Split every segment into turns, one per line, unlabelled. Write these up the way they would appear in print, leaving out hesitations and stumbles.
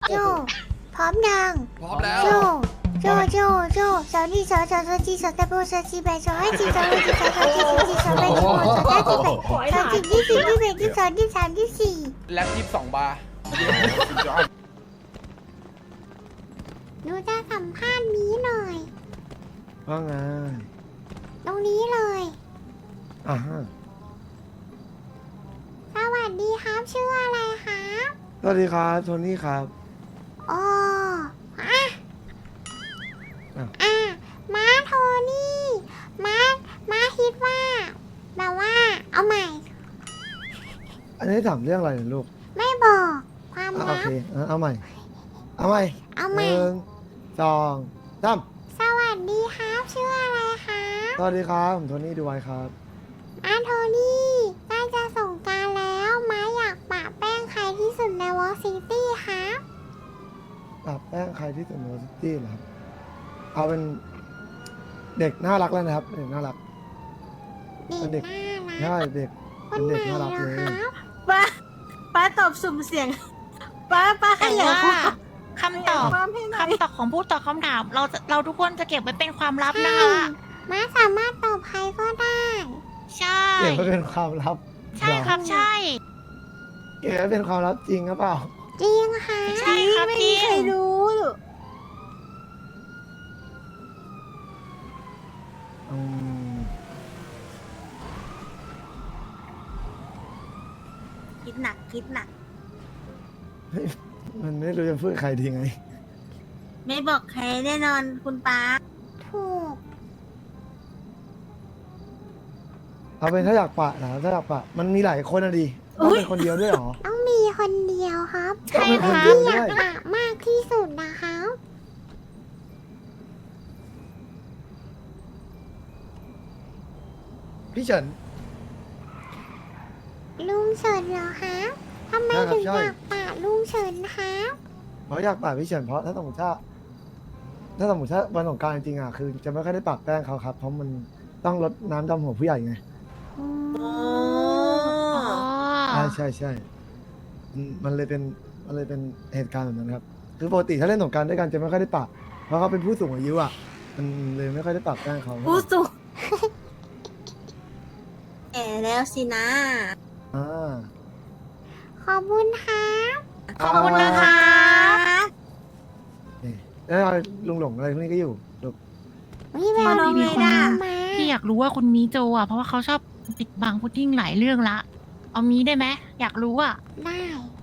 โจพร้อมยัง
พร้อมแล้ว
โจโจสาวนี่สาวจีสาวตะโบสาวจีแบสาวให้จีสาวให้จีสาวจีสาวแบสาวสาวจีแบสาวจีที่สี่ที่แบที่สองที่สามที่สี่
แล็บ22 บาร์
หนูจะสัมภาษณ์นี้หน่อย
ว่าไง
ตรงนี้เลย
อ่าฮะ
สวัสดีครับชื่ออะไรครับ
สวัสดีครับโทนี่ครับ
อ๋ออ่ะ
อ้าว
ม้าโทนี่ม้าคิดว่าแบบว่าเอาใหม่
อันนี้ถามเรื่องอะไรเนี่ยลูก
ไม่บอกความ
โอ
ลับ
เคเอาใหม่ เอาใหม่
เอา
ห
ใหม่
นึ่งสองสาม
สวัสดีครับชื่ออะไรครับ
สวัสดีครับผมโทนี่ดูไว้ครับ
อาโทนี่ใกล้จะส่งกรารแล้วม้าอยากปะแป้งใครที่สุดในวอลซิตี้ครับ
ปรับแป้งใครที่สุดในวอซิตี้เหรอครับ เอาเป็นเด็กน่ารักแล้วนะครับ เด็กน่ารัก
เด็กน่ารัก
ใช่เด็ก
ค
เป็น น
ไหน
เด็กน่ารัก
เหร
เล
อย ครับ
ป้าตอบสุ่มเสียง ป้าข
แต่
ยาย
ว่า
ความ
คำตอบ
ความให้หน่อย
คำตอบของผู้ตอบคำถาม เราทุกคนจะเก็บไว้เป็นความลับนะ
ใช่
คะ
ม้าสามารถตอบใครก็ได้
ใช่
เก็บไว้เป็นความลับ
ใช่ครับใช่
เก็บไว้เป็นความลับจริงหรือเปล่า
จริงค่ะ
ใช่ครับ
ไม่
จริ
มี
ง
ใครรู้
อืม
คิดหนัก
มันไม่รู้จะพูดกับใครดีไง
ไม่บอกใครแน่นอนคุณป้า
ถูก
เอาเป็นถ้าอยากปะนะถ้าอยากปะมันมีหลายคนอะดิต้องเป็นคนเดียวด้วยเหรอ
ต้องมีคนเดียวครับ
ใช่
ต้อง
ค
เป็นคน
รับ
เดียว
ที่อ
ด้วย
ยากปะมากที่สุดนะครับ
พี่เฉิน
ลุงเฉินเหรอครับทำไม
ใช่ครับ
ถึง
ใช่
อยากปะลุงเฉินครับ
เพราะอยากปะพี่เฉินเพราะถ้าสมมติถ้าวันสงกรารจริงๆอ่ะคือจะไม่ค่อยได้ปะแป้งเขาครับ เพราะมันต้องลดน้ำดำหัวผู้ใหญ่ไง
อืม
โอ้
อ๋อ
ใช่มันเลยเป็นเหตุการณ์แบบนั้นครับคือปกติถ้าเล่นสงกรารด้วยกันจะไม่ค่อยได้ปะเพราะเขาเป็นผู้สูงอายุอ่ะมันเลยไม่ค่อยได้ปะแป้งเขา
ผู้สูงแก่แล้วสินะ
อ่า
ขอบคุณครับ
ขอบคุณนะคะ
นี่แล้วลุงหลงอะไรพวกนี้ก็อยู่ลูก
วิแวว
ขอบคุณ
ดี
ค่ะ
มา
พี่อยากรู้ว่าคนนี้โจอ่ะเพราะว่าเขาชอบปิดบังพุดดิ้งหลายเรื่องละ เอามีได้ไหมอยากรู้อ่ะ
ได้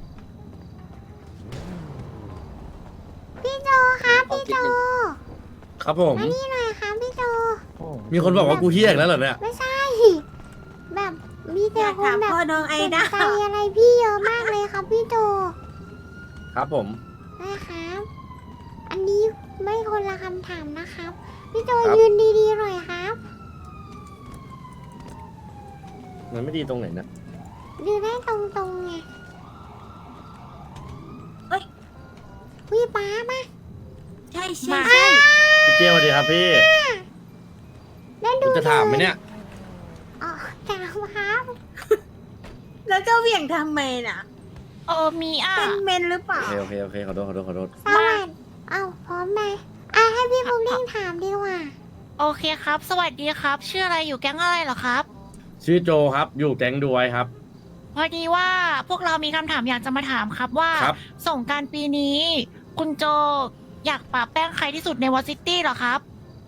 พี่โจครับพี่โจ
ครับผม
มานี่หน่อยครับพี่โจ
โอ้
มีคนบอกว่ากูเฮี้ยอีกแล้วเหรอเนี่ย
ไม่ใช่ แบบมี
อ
แต่
ยาก
คน
ถาม
แบบ
พ่อน้องไอ
สน
ดา
ใจอะไรพี่เยอะมากเลยครับพี่โจ
ครับผม
นะครับ อันนี้ไม่คนละคำถามนะครับ พี่โจ
ครับ
ยืนดีๆหน่อยครับ
มันไม่ดีตรงไหนนะ
ยืนได้ตรงๆไง
เอ้ย
วิป้ามา
ใช่
มา
ใช่
พี่เจียวสวัสดีครับพี่
แล้วดู
คุณจะถามไหมเนี่ย
อ๋อถามครับ
แล้วจะเหวี่ยงทำไมน่ะ
มีอ่ะ
เป็นเมนหรือเปล่า
โอเคขอโทษ
สวัสดีเอาพร้อมไหมให้พี่พุดดิ้งถามดีกว่า
โอเคครับ สวัสดีครับ ชื่ออะไรอยู่แก๊งอะไรเหรอครับ
ชื่อโจครับ อยู่แก๊งดูไว้ครับ
พอดีว่าพวกเรามีคำถามอยากจะมาถามครับว่า
ครับ
ส่งกรารปีนี้ คุณโจอยากปะแป้งใครที่สุดในวอซิตี้เหรอครับ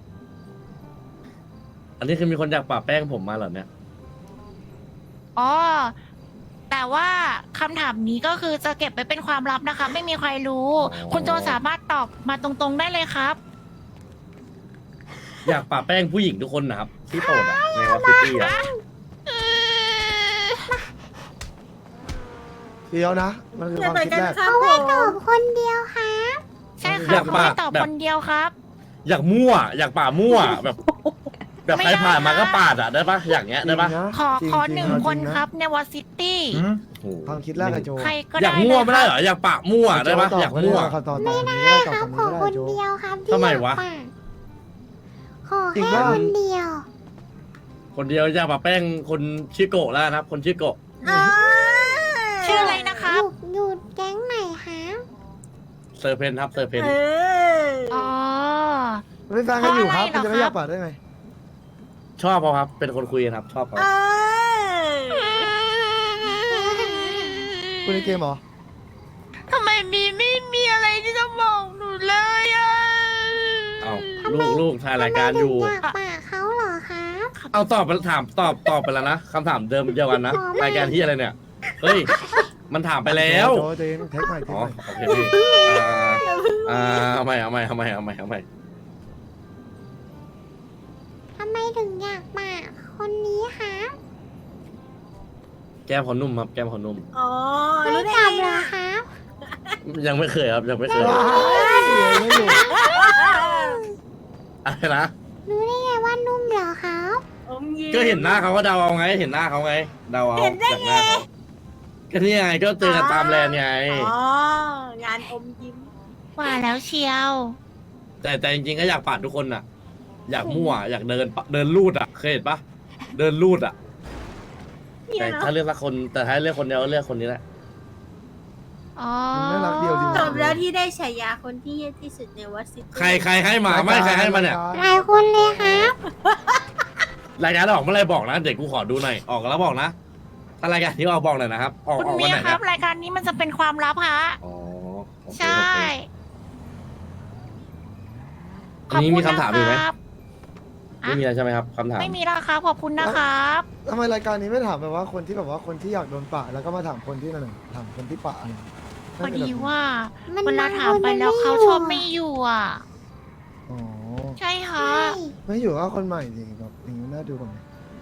อันนี้คือมีคนอยากปะแป้งผมมาเหรอเนี่ย
อ๋อ แต่ว่าคำถามนี้ก็คือจะเก็บไว้เป็นความลับนะคะ ไม่มีใครรู้
อ๋อ
คุณโจสามารถตอบมาตรงๆได้เลยครับ
อยากปะแป้งผู้หญิงทุกคนนะครับ ที่โปรดอะในวอซิตี้อะ
เดียวนะ มันคือ
อย่า
ความ
ไป
คิด
กัน
แรก
ครับ
เอา
ผ
ไว้
ม
ตอบคนเดียวครับ
ใช่ค
อ
รั
ยา
บ
ก
เขา
ปะ
ไม่ตอบ
แบบ
คนเดียวครับ
อยากมั่ว อยากปะมั่วแบบแบบ
ไม่
ใคร
ได้
ผ่านมาก็ปาดอะได้ปะอย่างเงี้ยได้ปะ
จริงนะ
ขอ
จริง
ขอ
จริง
หนึ่ง
เอาจริง
คน
นะครับ
ในวอซิตี้
โอ้โห
ความคิดแรกอะโจ
ใครก็
อยาก
ได้
มั่ว
เลย
ไม่ได้
ค
เหร
รับ
ออยากปะมั่วได้ปะ
โจตบ
อยากมั่ว
เขาตอบตรงนี้
ได้
ได้
ค
ตอบ
รับ
ตรง
ขอ
นี้
คน
ได้โจ
เดียวครับที่
ทำไม
อยาก
วะ
ปะขอ
จริง
แค่
ปะ
คนเดียว
คนเดียวอยากปะแป้งคนชื่อโกะแล้วนะครับ คนชื่อโกะ
อ่า
ชื่ออะไรนะครับ
อยู่แก๊งไหนครับ
เซอร์เพนครับเซอร์เพน
เออ
อ๋อ
ไม่ฟังกันอยู่ครับ
เพ
คุณ
ราะอะไรเหรอ
จะไม่อยาก
ครับ
ปาดได้ไง
ชอบเขาครับ เป็นคนคุยกันครับ ชอบเขา
เออ
คุณในเกมเหรอ
ทำไมไม่มีอะไรที่จะบอกหนูเลยอ่ะ
เอาลูกถ่ายรายการอยู่
ทำไมถึงอยากปากเขาเหรอครับ
เอาตอบไปถามตอบไปแล้วนะคำถามเดิมเดียวกันนะรายการที่อะไรเนี่ยเฮ้ยมันถามไปแล้ว
โจเจนเทคใหม่เทค
อ๋อ
ใหม่
โอเคพี่เอาใหม่
ทำไมถึงอยากปากคนนี้ครับ
แก้มขอนุ่มครับแก้มขอนุ่ม
อ๋อ
ไม่
รู้ได้
จับ
ไง
เหรอ
ล่ะ
ครับ
ยังไม่เคยครับยังไม่เคย
ว้ายไม่อยู่
อะไรนะ
รู้ได้ไงว่านุ่มเหรอครับ
อมยิ้ม
ก็เห็นหน้าเขาก็เดาเอาไง เห็นหน้าเขาไง เดาเอา
เห็นได้
จากหน้าเขาก็นี่ไงก็เจอกันตามแลนด์ไง
อ๋อ งานอมยิ้ม
ว่าแล้วเชียว
แต่จริงๆก็อยากปาดทุกคนน่ะ อยากมั่วอยากเดินลูดอ่ะเคยเห็นปะเดินลูดอ่ะ
เนี่
แต่
ยเนาะ
ถ้าเลือกสักคนแต่ถ้าเลือกคนเดียวก็เลือกคนนี้แหละ
อ๋อ
น่ารักเดียวดี
จบแล้วที่ได้ฉายาคนที่เยี่ยที่สุดในวัดซิตี้
ใครให้มาไม่ใครให้มาเนี่ย
หลายคนเลยครับ
รายการออกเมื่อไรบอกนะเด็กกูขอดูหน่อยออกแล้วบอกนะถ้ารายการที่ออกบอกหน่อยนะครับออก
คุณ
ออก
เมี
วัน
ย
ไหน
ครั
นะ
บรายการนี้มันจะเป็นความลับฮะ
อ๋อโอเค
ใช่
โอเคอันนี้มีคำถามอีกไหม
ครับ
ไม่มีแล้วใช่ไหมครับคำถาม
ไม่มีแล้วครับขอบคุณนะครับ
ทำไมรายการนี้ไม่ถามแบบว่าคนที่แบบว่าคนที่อยากโดนปะแล้วก็มาถามคนที่นั่นน่ะถามคนที่ปะอะไร
พอดีว่า
มัน
เวลาถามไปแล้วเขาชอบไม่อยู่อ่ะ
อ๋อ
ใช่ค่ะ
ใช่
ไม่อยู่ก็คนใหม่ดิแบบอย่างนี้น่าดูกว่าไหม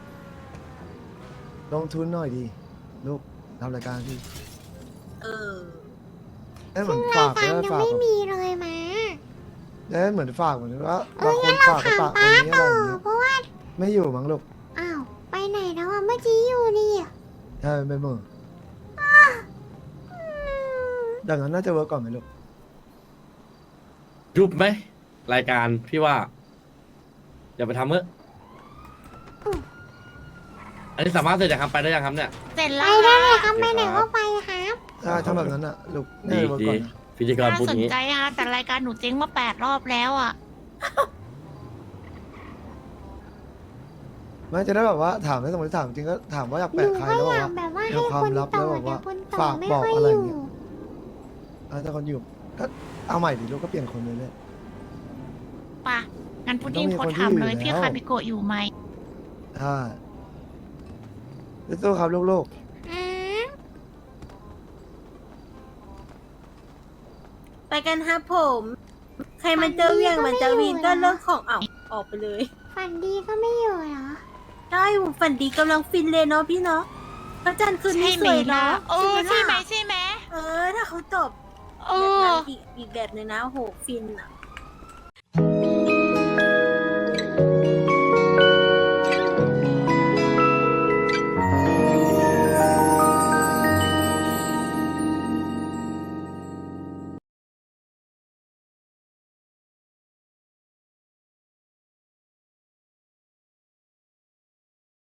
ลงทุนหน่อยดีลูกทำรายการพี่
เออ
ได้เหมือน
ราย
ฝาก
การ
ได้
ยัง
ฝาก
ไม่
แบบ
มีเลยมา
ได้เหมือนฝากเหมือนว่า
เอบ
าง
อ
ค
งั้
น
นเรา
ฝากไป
ถาม
ปะ
ป้า
คนนี้อะไร
ต่อ
อย่างเงี้ย
เพราะว่า
ไม่อยู่มั้งลูก
อ้าว ไปไหนแล้วอ่ะ เมื่อกี้อยู่นี่อ่ะ
ใช่ไม่เหมือดังนั้นน่าจะเวิร์กก่อนไหมลูก
ยุบไหมรายการพี่ว่าอย่าไปทำเถอะอันนี้สามารถเสร็จยังครับไปได้ยังครับเนี่ย
เสร็จ
ไป
แล้ว
ได้
ค่ะ
เลยครับไปไหนก็ไปครับ
ถ้าทำแบบนั้นอ่ะลูกน่า
ดี
จะเวิร์ก
ดี
ก่อนนะ
พิธีกร
น่า
พูด
สน
นี้
ใจฮะแต่รายการหนูเจ๊งมา8 รอบแล้วอ่ะ
ไม่จะได้แบบว่าถามให้สมมติถามจริงก็ถามว่าอยาก
หนู
แปะใคร
ก็
แล้วบ
อ
อก
ยาก
ว่า
แบบว่า
ใน
ให้
ความ
คน
ลับ
ต่อ
แล้วบอก
แต่
ว่า
คนต่อ
ฝาก
ไม่
บอก
ค่อย
อะไร
อ
อย่าง
ยู่
เงี้ย ถ้าคนอยู่ก็เอาใหม่ดิลูกก็เปลี่ยนคนเลยเนี่ย
ป่ะ งั้นพุดดิ้ง
ต้องมี
โพส
คน
ต์
ที่
ถามเลย
อยู่
พี่
แล้ว
คาบิโกะอยู่ไหม
ใช่สู้ๆครับลูก
อ่า
ไปกันฮะผม ใครมันจะเวียงมันจะวินก็เรื่องของเอาออกไปเลย
ฝันดีก็ไม่อยู่เหรอ
ใช่ผมฝันดีกำลังฟินเลยเนาะพี่เนาะพระจันทร์คืน
ใช่
นี้
ไห
ส
ม
วย
ล่ะ
เนาะ
เออใช่ไหม
ล่ะ
ใช่ไหม
ถ้าเขาตอบ
เอ
แบบ
อ
นั้นอีกแบบหนึงนะโหฟินอ่ะ